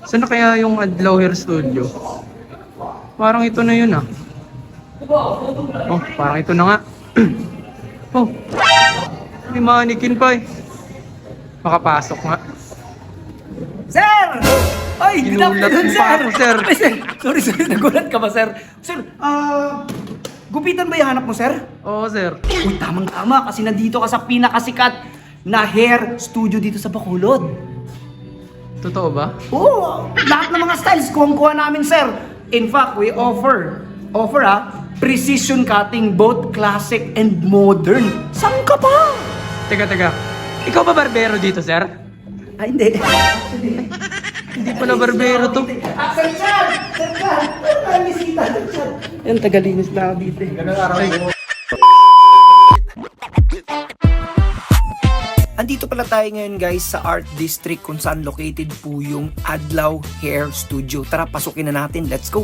Saan na kaya yung Adlaw Hair Studio? Parang ito na yun ah. Oh, parang ito na nga. Oh, may mannequin pa eh. Makapasok nga. Sir! Ay, good Ginulat afternoon, mo pa sir! ako, sir. Ay, sir! Sorry, nagulat ka ba, sir? Sir, gupitan ba yung hanap mo, sir? Oo, sir. Uy, tamang-tama kasi nandito ka sa pinakasikat na hair studio dito sa Bacolod. Totoo ba? Oo, lahat ng mga styles kuha namin, sir. In fact, we offer precision cutting, both classic and modern. Saan ka pa? Teka. Ikaw ba barbero dito, sir? Ay, hindi. Hindi pala barbero to. Sir Chad! Sir Chad! Ay, bisita, Sir Chad. Yan, tagalinis na ako dito. Ganang araw mo. Andito pala tayo ngayon guys sa Art District kung saan located po yung Adlaw Hair Studio. Tara, pasukin na natin. Let's go!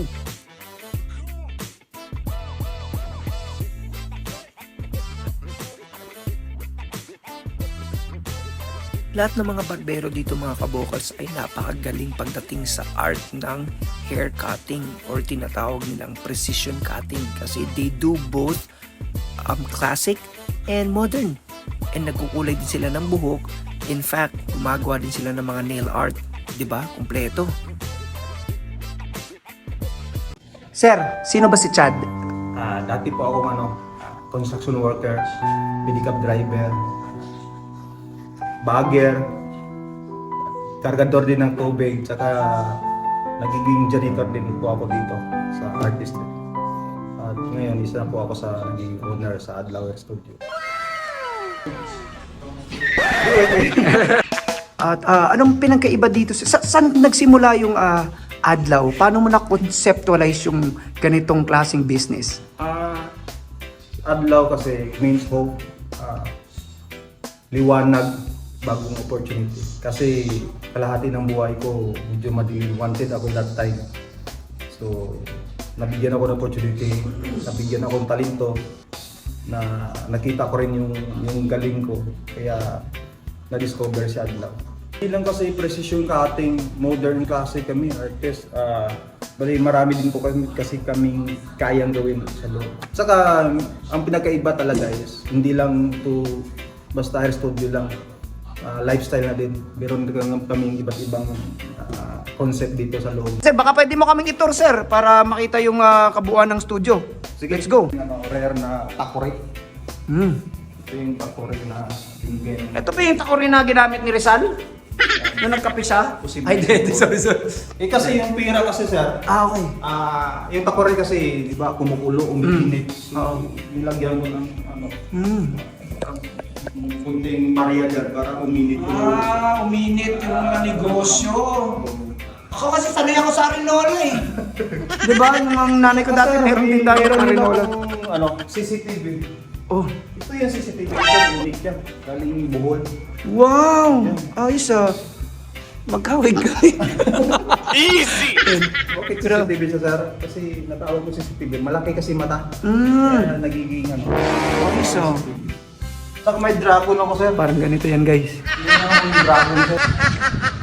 Lahat ng mga barbero dito mga kabokals ay napakagaling pagdating sa art ng hair cutting or tinatawag nilang precision cutting kasi they do both classic and modern. And nagkukulay din sila ng buhok. In fact, gumagawa din sila ng mga nail art. 'Di ba? Kumpleto. Sir, sino ba si Chad? Dati po akong construction worker, pedicab driver, bagger, kargador din ng tubig, tsaka nagiging janitor din po ako dito sa Art District. At ngayon, isa na po ako sa naging owner sa Adlaw Hair Studio. At anong pinagkaiba dito? Saan nagsimula yung Adlaw? Paano mo na-conceptualize yung ganitong klaseng business? Adlaw kasi means hope, liwanag, bagong opportunity. Kasi kalahati ng buhay ko, medyo madilim, wanted ako that time. So, nabigyan ako ng opportunity, nabigyan ako ng talento, na nakita ko rin yung galing ko. Kaya, na-discover si Adlaw. Hindi lang kasi precision cutting, modern kasi kami, artist. Bali, marami din po kasi kaming kayang gawin sa loob. Saka, ang pinakaiba talaga is, hindi lang to basta hair studio lang. Lifestyle na din. Meron kaming iba't ibang concept dito sa loob. Sir, baka pwede mo kaming itur, sir, para makita yung kabuuan ng studio. Sige, Let's go. Rare na takore. Ito yung takore na binigay. Ito pa yung takori na ginamit ni Rizal? Na nagkapisa? Posible. Ay, hindi. Sorry. Kasi yung pira kasi, sir, Okay. yung takore kasi, di ba, kumukulo, umiinit. So, nilagyan mo ng kunting Maria dyan para uminit yung Uminit yung mga negosyo. Ako kasi sanay ako sa Arinola eh. Di ba, yung mga nanay ko dati, meron din dati Arinola. CCTV. Oh. Ito yung CCTV. Ito unique yan. Galing Bohol. Wow! Ayos magkawig ka. Okay, CCTV siya, sir. Kasi natawag ko CCTV. Malaki kasi mata. Kaya nagiging Ayos Saka may dragon ako, sir. Parang ganito yan, guys. Yung dragon, sir.